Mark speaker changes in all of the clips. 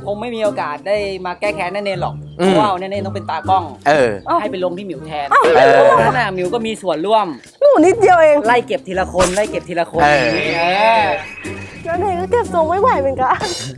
Speaker 1: คงไม่มีโอกาสได้มาแก้แค้นแน่เนนหรอกเพราะว่าแน่เนนต้องเป็นตากล้องให้ไปลงที่หมิวแทนนั่นน่ะหมิวก็มีส่วนร่วม
Speaker 2: หนูนิดเดียวเอง
Speaker 1: ไล่เก็บทีละคนแล้ว
Speaker 2: เนนก็เก็บทรงไม่ไหวเหมือนกัน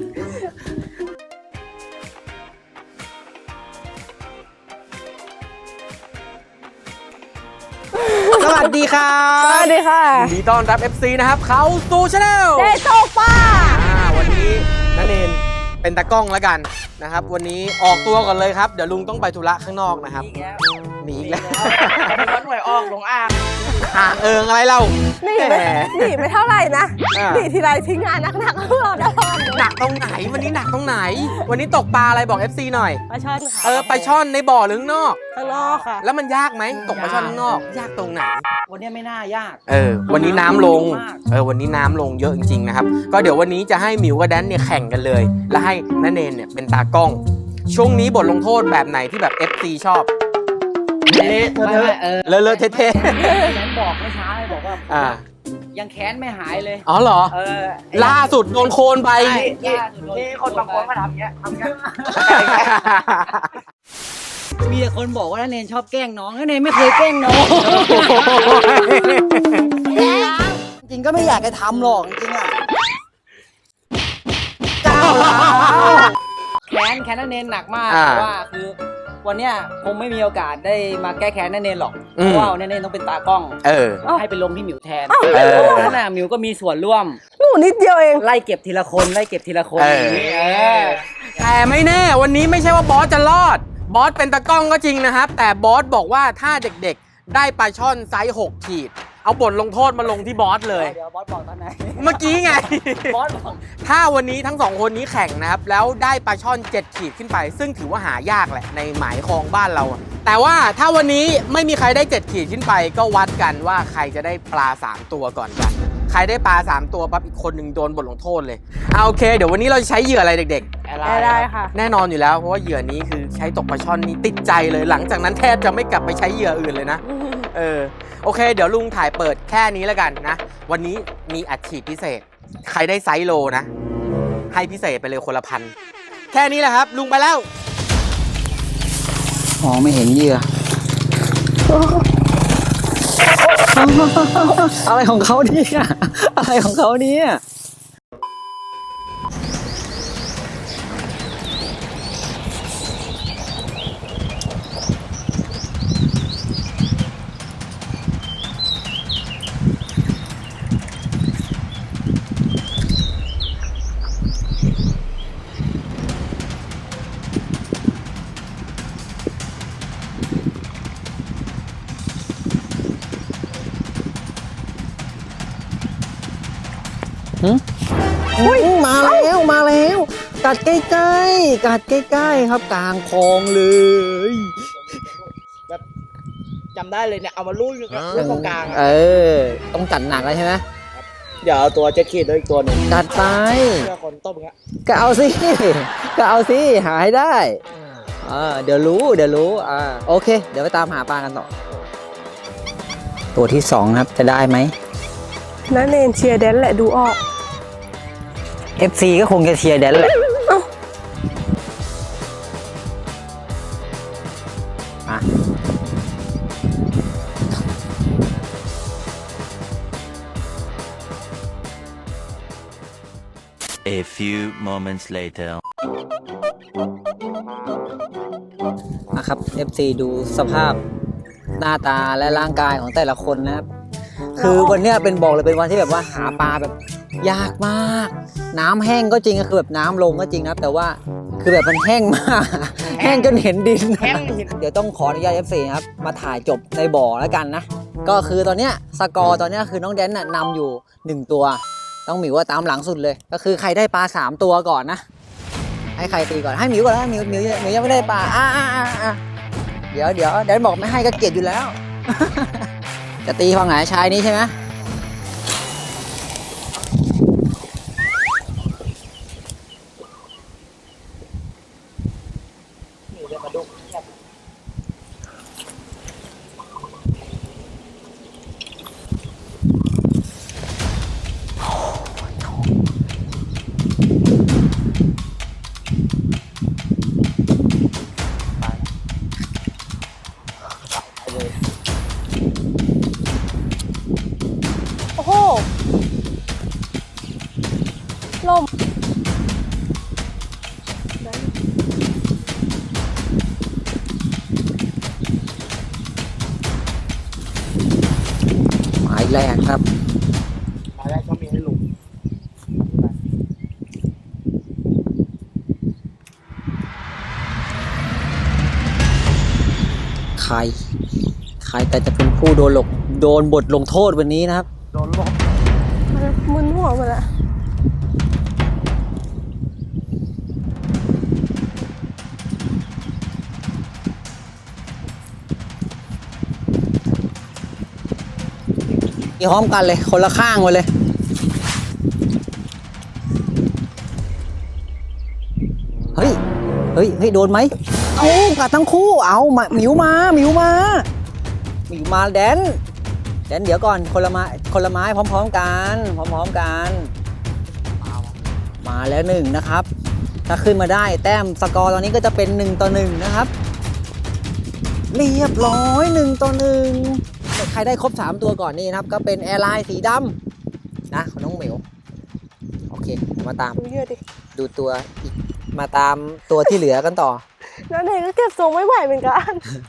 Speaker 3: สวัสดีครับ
Speaker 2: สวัสดีค่ะ
Speaker 3: ยินดีต้อนรับ FC นะครับเขาสู่ชาแนล
Speaker 2: เดโซป้า
Speaker 3: วันนี้ณเนนเป็นตากล้องแล้วกันนะครับวันนี้ออกตัวก่อนเลยครับเดี๋ยวลุงต้องไปธุระข้างนอกนะครับหนีอีกแล้ว
Speaker 1: วัดหน่วยออกลงอ่าง
Speaker 3: อะไรเล่า
Speaker 2: หนีไม่เท่าไหร่นะหนีทีไรทิ้งงานหนักๆพวกเราได้
Speaker 3: หนักตรงไหนวันนี้หนักตรงไหนวันนี้ตกปลาอะไรบอก FC หน่อย
Speaker 2: ปลาช่อนค่ะ
Speaker 3: ปลาช่อนในบ่อหรือข้างนอก
Speaker 2: ข้างนอกค่ะ
Speaker 3: แล้วมันยากไหมตกปลาช่อนข้างนอกยากตรงไหน
Speaker 1: วันนี้ไม่น่ายาก
Speaker 3: วันนี้น้ำลงวันนี้น้ำลงเยอะจริงๆนะครับก็เดี๋ยววันนี้จะให้หมิวกับแดนเนี่ยแข่งกันเลยแล้วให้ณเนนเนี่ยเป็นตากล้องช่วงนี้บทลงโทษแบบไหนที่แบบ FC ชอบเลอะเทะ
Speaker 1: แค้นบอกไม่ช้าเลยบอกว่ายังแค้นไม่หายเลย
Speaker 3: อ๋อเหรอล่าสุดโดนโคนไป
Speaker 1: นี่คนบางคนมาทำเงี้ยมีแต่คนบอกว่าณเนนชอบแกล้งน้องณเนนไม่เคยแกล้งน้องจริงก็ไม่อยากจะทำหรอกจริงอ่ะแค้นณเนนหนักมากเพราะว่าคือวันเนี้ยคงไม่มีโอกาสได้มาแก้แค้นณเนนหรอกเพราะว่าณเนนต้องเป็นตากล้องให้ไปลงที่หมิวแทนนั่นน่ะหมิวก็มีส่วนร่วม
Speaker 2: หนูนิดเดียวเอง
Speaker 1: ไล่เก็บทีละคน
Speaker 3: แต่ไม่แน่วันนี้ไม่ใช่ว่าบอสจะรอดบอสเป็นตากล้องก็จริงนะครับแต่บอสบอกว่าถ้าเด็กๆได้ปลาช่อนไซส์6 ขีดเอาบทลงโทษมาลงที่บอสเลย
Speaker 1: เดี๋ยวบอสบอกตอนไหน
Speaker 3: เมื่อกี้ไง
Speaker 1: บอสบอก
Speaker 3: ถ้าวันนี้ทั้ง2คนนี้แข่งนะครับแล้วได้ปลาช่อน7 ขีดขึ้นไปซึ่งถือว่าหายากแหละในหมายคลองบ้านเราแต่ว่าถ้าวันนี้ไม่มีใครได้7 ขีดขึ้นไปก็วัดกันว่าใครจะได้ปลา3 ตัวก่อนกันใครได้ปลา3 ตัวปั๊บอีกคนหนึ่งโดนบทลงโทษเลยโอเคเดี๋ยววันนี้เราจะใช้เหยื่ออะไรเด็ก
Speaker 2: ๆได้ค่ะ
Speaker 3: แน่นอนอยู่แล้วเพราะว่าเหยื่อนี้คือใช้ตกปลาช่อนนี้ติดใจเลยหลังจากนั้นแทบจะไม่กลับไปใช้เหยื่ออื่นเลยนะโอเคเดี๋ยวลุงถ่ายเปิดแค่นี้แล้วกันนะวันนี้มีอัดฉีดพิเศษใครได้ไซส์โลนะให้พิเศษไปเลยคนละ1,000แค่นี้แหละครับลุงไปแล้ว
Speaker 1: มองไม่เห็นเหยื่ออะไรของเขาเนี่ยอะไรของเขาเนี่ยมาแล้วกัดใกล้ๆครับกลางคลองเลยแบบจำได้เลยเนี่ยเอามาลู่ตรงกลางต้องจัดหนักเลยใช่ไหมเดี๋ยวเอาตัว7 ขีดด้วยอีกตัวหนึ่งจัดไปเพื่อคนต้มเงี้ยก็เอาสิหาให้ได้เดี๋ยวรู้โอเคเดี๋ยวไปตามหาปลากันต่อตัวที่2ครับจะได้ไหม
Speaker 2: ณเนนเชียร์แดนแหละดูออก
Speaker 1: FC ก็คงจะเชียร์แดนแหละ
Speaker 4: A few moments later
Speaker 1: นะครับ FC ดูสภาพหน้าตาและร่างกายของแต่ละคนนะครับคือวันนี้เป็นบอกเลยเป็นวันที่แบบว่าหาปลาแบบยากมากน้ำแห้งก็จริงคือแบบน้ำลงก็จริงนะแต่ว่าคือแบบมันแห้งมากแห้งจนเห็นดินเดี๋ยวต้องขออนุญาต FC นะครับมาถ่ายจบในบ่อแล้วกันนะก็คือตอนเนี้ยสกอร์ตอนเนี้ยคือน้องแดนน่ะนำอยู่1 ตัวต้องหมิวว่าตามหลังสุดเลยก็คือใครได้ปลา3 ตัวก่อนนะให้ใครตีก่อนให้หมิวก่อนนะหมิวยังไม่ได้ปลาเดี๋ยวแดนบอกไม่ให้ก็เกลียดอยู่แล้วจะตีฝั่งไหนชายนี้ใช่ไหมแรกครับ
Speaker 3: ปลาแรกก็มีให้ลุง
Speaker 1: ใครแต่จะเป็นผู้โดนบทลงโทษวันนี้นะครับ
Speaker 3: โดนลบ
Speaker 2: มึนหัวหมดละ
Speaker 1: พร้อมกันเลยคนละข้างไปเลยเฮ้ยโดนไหมเอากัดทั้งคู่เอามาหมิวมาแดนเดี๋ยวก่อนคนละไม้พร้อมๆกันมาแล้วหนึ่งนะครับถ้าขึ้นมาได้แต้มสกอร์ตอนนี้ก็จะเป็น1-1นะครับเรียบร้อย1-1ใครได้ครบ3ตัวก่อนนี่นะครับก็เป็นแอร์ไลน์สีดำนะของน้องเหมียวโอเคมาตาม
Speaker 2: ดูเยอะดิ
Speaker 1: ดูตัวอีกมาตามตัวที่เหลือกันต่อ
Speaker 2: แล้วเนยก็เก็บทรงไม่ไหวเหมือนกัน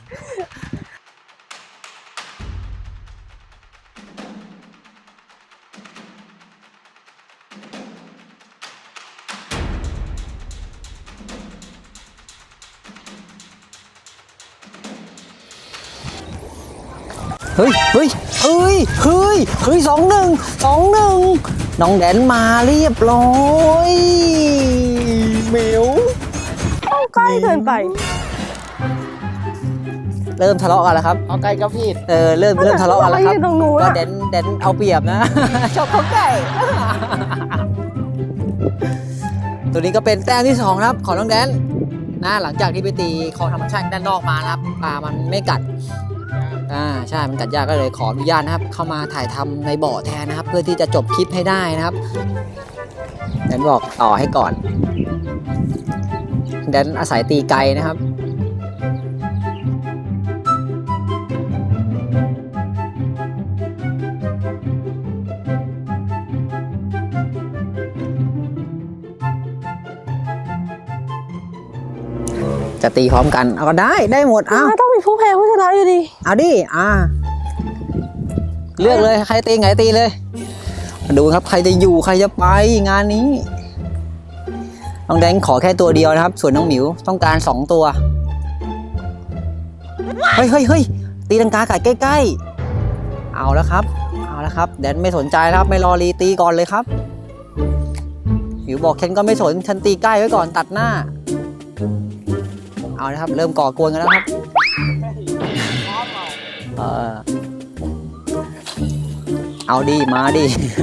Speaker 1: เฮ้ย2-1น้องแดนมาเรียบร้อยเหมียว
Speaker 2: เข้าใกล้เกินไป
Speaker 1: เริ่มทะเลาะกันแล้วครับ
Speaker 3: เอาไก่กับพี่
Speaker 1: เริ่มทะเลาะกันแล้วครับ
Speaker 2: ยืนตรงนู้น
Speaker 1: ก็
Speaker 2: อะ
Speaker 1: แดนเอาเปรียบนะ ชอบเขาไก่ ตัวนี้ก็เป็นแต้มที่2ครับของน้องแดนนะหลังจากที่ไปตีคลองธรรมชาติด้านนอกมานะครับปลามันไม่กัดใช่มันกัดยากก็เลยขออนุญาตนะครับเข้ามาถ่ายทำในบ่อแทนนะครับ เพื่อที่จะจบคลิปให้ได้นะครับแดนบอกต่อให้ก่อนแดนอาศัยตีไกลนะครับจะตีพร้อมกันเอาก็ได้หมดเอา
Speaker 2: ต้องมีผู้แพ้ผู้ชนะอยู่ดี
Speaker 1: เอาดิเลือกเลยใครตีไงตีเลยมาดูครับใครจะอยู่ใครจะไปงานนี้น้องแดงขอแค่ตัวเดียวนะครับส่วนน้องหมิวต้องการ2ตัวเฮ้ยตีลังกาไก่ใกล้ๆเอาแล้วครับแดนไม่สนใจครับไม่รอรีตีก่อนเลยครับหมิวบอกฉันก็ไม่สนฉันตีใกล้ไว้ก่อนตัดหน้าเอานะครับเริ่มก่อกวนกันแล้วครับเอาดีมาดิ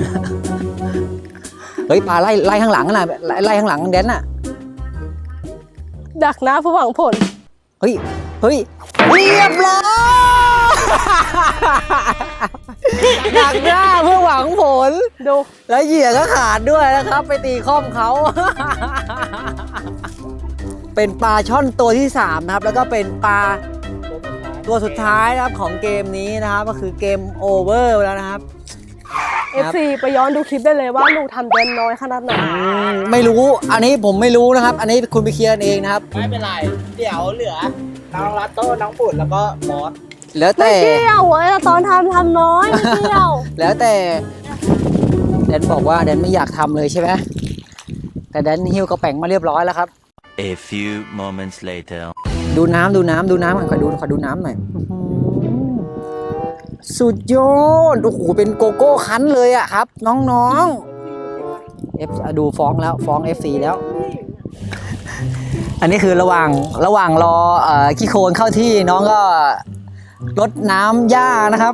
Speaker 1: เฮ้ยปลาไล่ข้างหลังน่ะไล่ข้างหลังแดนน่ะ
Speaker 2: ดักหน้าผู้หวังผล
Speaker 1: เฮ้ยเรียบร้อย ดักหน้าเพื่อหวังผล
Speaker 2: ดู
Speaker 1: แล้วเหยื่อก็ขาดด้วยนะครับ ไปตีข้อมเขา เป็นปลาช่อนตัวที่3นะครับแล้วก็เป็นปลาตัวสุดท้ายนะครับของเกมนี้นะครับก็คือเกมโอเวอร์แล้วนะครับ
Speaker 2: FC ไปย้อนดูคลิปได้เลยว่าหนูทำเดนน้อยขนาดไหน
Speaker 1: ไม่รู้อันนี้ผมไม่รู้นะครับ อันนี้คุณไปเคลียร์กันเองนะครับ
Speaker 3: ไม่เป็นไร เดี๋ยวเหลือน้องรัตโต้น้องปุ่นแล้วก็บอส
Speaker 1: แล้ว
Speaker 2: ไม่
Speaker 1: แต่
Speaker 2: เกี่ยวตอนทำน้อยไม่เกี่ยว
Speaker 1: แล้วแต่แดนบอกว่าแดนไม่อยากทำเลยใช่ไหมแต่แดนหิ้วกระแป๋งมาเรียบร้อยแล้วครับ
Speaker 4: A few moments later.
Speaker 1: ดูน้ำก่อนขอดูน้ำหน่อยอื้อหือสุดยอดโอ้โหเป็นโกโก้คั้นเลยอะครับ น้องๆดูฟ้อง FC แล้ว อันนี้คือระหว่างรอขี้โคลนเข้าที่น้องก็รดน้ำหญ้านะครับ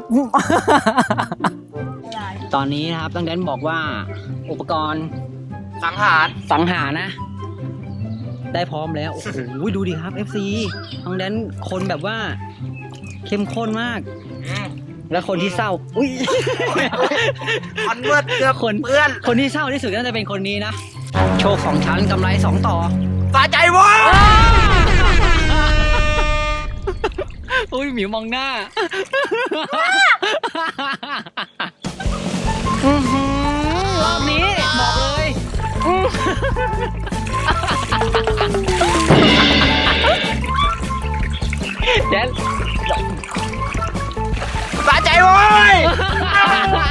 Speaker 1: ตอนนี้นะครับต้องแดนบอกว่าอุปกรณ์สังหารนะ ได้พร้อมแล้ว โอ้โหดูดิครับ FC ต้องแดนคนแบบว่าเข้มข้นมาก แล้วคนที่เศร้าอุ้ย
Speaker 3: คอนเวิร์ตเกือบ
Speaker 1: คนที่เศร้าที่สุดน่าจะเป็นคนนี้นะ โชค2 ชั้นกำไร2 ต่อ
Speaker 3: สะใจเว้ย
Speaker 1: อุ้ยหมิวมองหน้า รอบนี้บอกเลยแดน
Speaker 3: สะใจเว้ย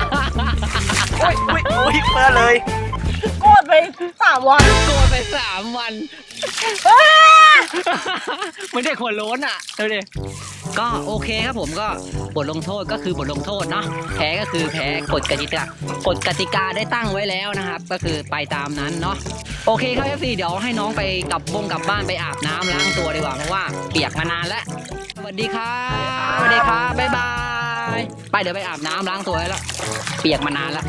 Speaker 3: อุ้ยเพื่อเลย
Speaker 2: โกรธไป3 วัน
Speaker 1: โกรธไป3 วัน ไม่ได้หัวโล้นอ่ะดูดิก็โอเคครับผมก็บทลงโทษก็คือบทลงโทษเนาะแพ้ก็คือแพ้กฎกติกาได้ตั้งไว้แล้วนะครับ ก็คือไปตามนั้นเนาะโอเคครับ FC เดี๋ยวให้น้องไปกลับบ้านไปอาบน้ำล้างตัวดีกว่าเพราะว่าเปียกมานานแล้วสวัสดีครับสวัสดีครับบ๊ายบายไปเดี๋ยวไปอาบน้ำล้างตัวแล้วเปียกมานานแล้ว